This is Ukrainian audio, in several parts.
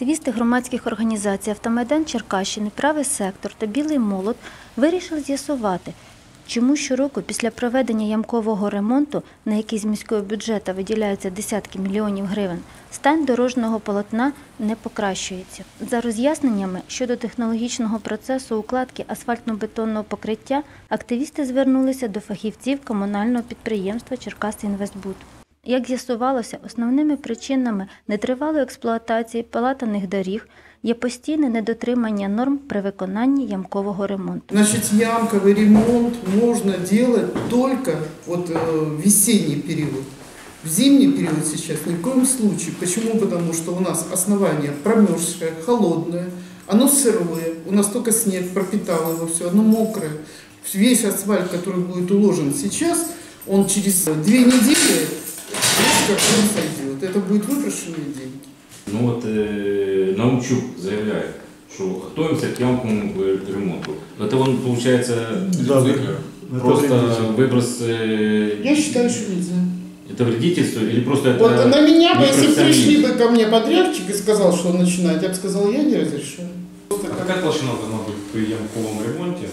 Активісти громадських організацій «Автомайдан Черкащини», «Правий сектор» та «Білий молот» вирішили з'ясувати, чому щороку після проведення ямкового ремонту, на який з міського бюджету виділяються десятки мільйонів гривень, стан дорожнього полотна не покращується. За роз'ясненнями щодо технологічного процесу укладки асфальтно-бетонного покриття, активісти звернулися до фахівців комунального підприємства «Черкасинвестбуд». Як з'ясувалося, основними причинами нетривалої експлуатації палатаних доріг є постійне недотримання норм при виконанні ямкового ремонту. Значит, ямковый ремонт можно делать только в весенний период. В зимний период сейчас ни в коем случае. Почему? Потому что у нас основание промерзшее, холодное, оно сырое, у нас только снег пропитал его, все, оно мокрое. Весь асфальт, который будет уложен сейчас, он через 2 недели как он сойдет. Это будет выброшенные деньги. Ну от Наумчук заявляє, що готуємося к ямковому ремонту. Это он, получается, просто выброс... Я считаю, что нельзя. Это вредительство или просто это... Вот на меня бы, если пришли бы ко мне подрядчик и сказал, что он начинает, я бы сказал, я не разрешаю. А какая толщина должна быть при ямковом ремонте?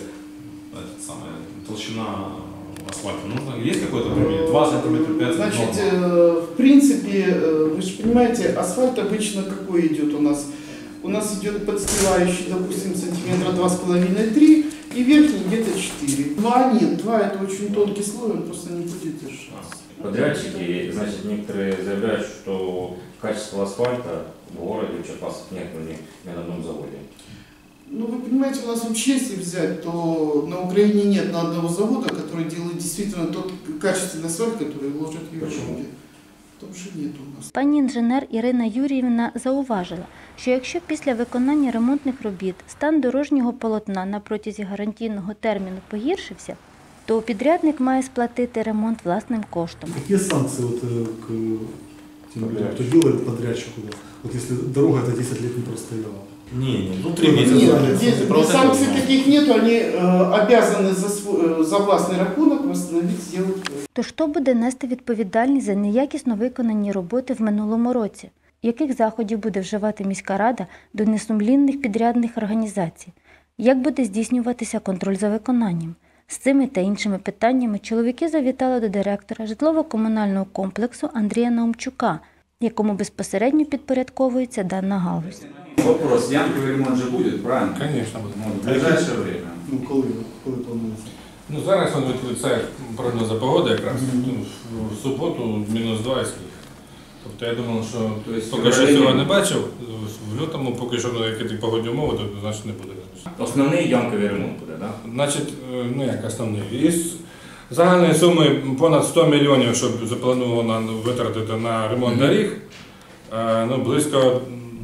Толщина асфальта? Ну, есть какой-то пример? 2 сантиметра, 5 сантиметров? Значит, в принципе, вы же понимаете, асфальт обычно какой идет у нас? У нас идет подстилающий, допустим, сантиметра 2,5-3 и верхний где-то 4. 2 нет, 2 это очень тонкий слой, он просто не будет держаться. Подрядчики, значит, некоторые заявляют, что качество асфальта в городе в Черкасах нет ни на одном заводе. Ну, вы понимаете, у нас вообще, если взять, то на Украине нет ни одного завода, который делает действительно тот качественный асфальт, который ложат в Европе. Почему? Потому что нет у нас. Пані інженер Ірина Юріївна зауважила, що якщо після виконання ремонтних робіт стан дорожнього полотна на протязі гарантійного терміну погіршився, то підрядник має сплатити ремонт власним коштом. Какие санкции к тем людям, кто делает подрядчику, если дорога это 10 лет не простояла? Ну 3 месяца. Нет, санкций таких нету, они обязаны за властный рахунок восстановить, сделать. То хто буде нести відповідальність за неякісно виконані роботи в минулому році? Яких заходів буде вживати міська рада до несумлінних підрядних організацій? Як буде здійснюватися контроль за виконанням? З цими та іншими питаннями чоловіки завітали до директора житлово-комунального комплексу Андрія Наумчука, якому безпосередньо підпорядковується дана галузь. Вопрос, ямковый ремонт же будет, правильно? Конечно будет. В ближайшее время. Ну, коли планується? Ну, зараз він відповідає прогнозу погоди якраз. В суботу -2 і сніг. Тобто я думав, що поки що цього не бачив, в лютому поки що які погодні умови, то значить не буде. Основний ямковий ремонт буде, так? Значить, ну як основний. Із загальної суми понад 100 мільйонів, щоб заплановано витратити на ремонт доріг, ну, близько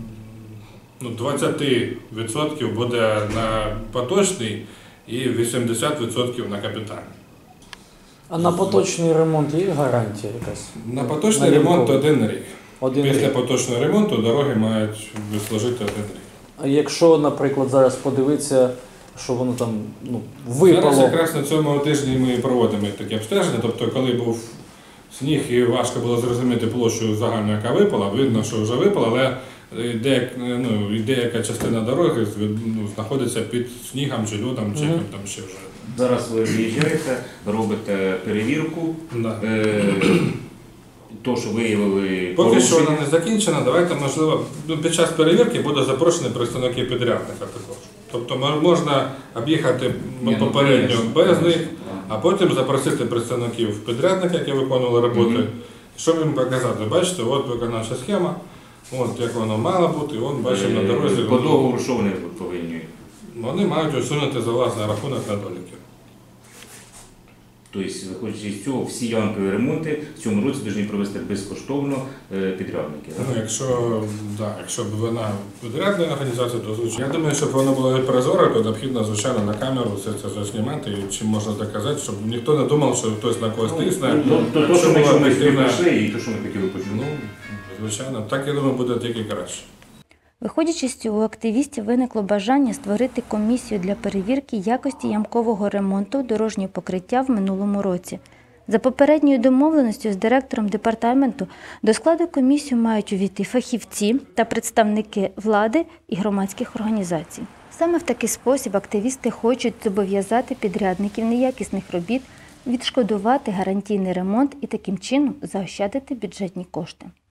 20% буде на поточний і 80% на капітальний. А на поточний ремонт є гарантія якась? На поточний ремонт 1 рік. Після рік. поточного ремонту дороги мають служити 1 рік. А якщо, наприклад, зараз подивитися, що воно там випало? Зараз якраз на цьому тижні ми проводимо такі обстеження, тобто коли був сніг і важко було зрозуміти площу загальну, яка випала, видно, що вже випала, але деяка частина дороги знаходиться під снігом чи льодом, чи там ще вже. Зараз ви виїжджаєте, робите перевірку, Да. то, що виявили Поки що порушення. вона не закінчена, давайте, можливо, під час перевірки буде запрошені представники підрядника також. Тобто можна об'їхати попередньо без них, а потім запросити представників підрядника, які виконували роботи, щоб їм показати, бачите, от виконавча схема, от як воно мало бути, от бачимо на дорозі. По договору, що вони повинні? Вони мають усунути за власний рахунок недоліки. Тобто, виходячи з цього, всі ямкові ремонти в цьому році повинні провести безкоштовно підрядники. Ну, якщо б вона підрядна організація, то звичайно. Я думаю, щоб воно було прозоро, то необхідно, звичайно, на камеру все це заснімати, і чим можна доказати, щоб ніхто не думав, що хтось на когось тисне. То, що ми прийшли, і то, що ми хотіли почути. Ну, звичайно, так, я думаю, буде тільки краще. Виходячи з цього, у активістів виникло бажання створити комісію для перевірки якості ямкового ремонту дорожнього покриття в минулому році. За попередньою домовленістю з директором департаменту до складу комісії мають увійти фахівці та представники влади і громадських організацій. Саме в такий спосіб активісти хочуть зобов'язати підрядників неякісних робіт відшкодувати гарантійний ремонт і таким чином заощадити бюджетні кошти.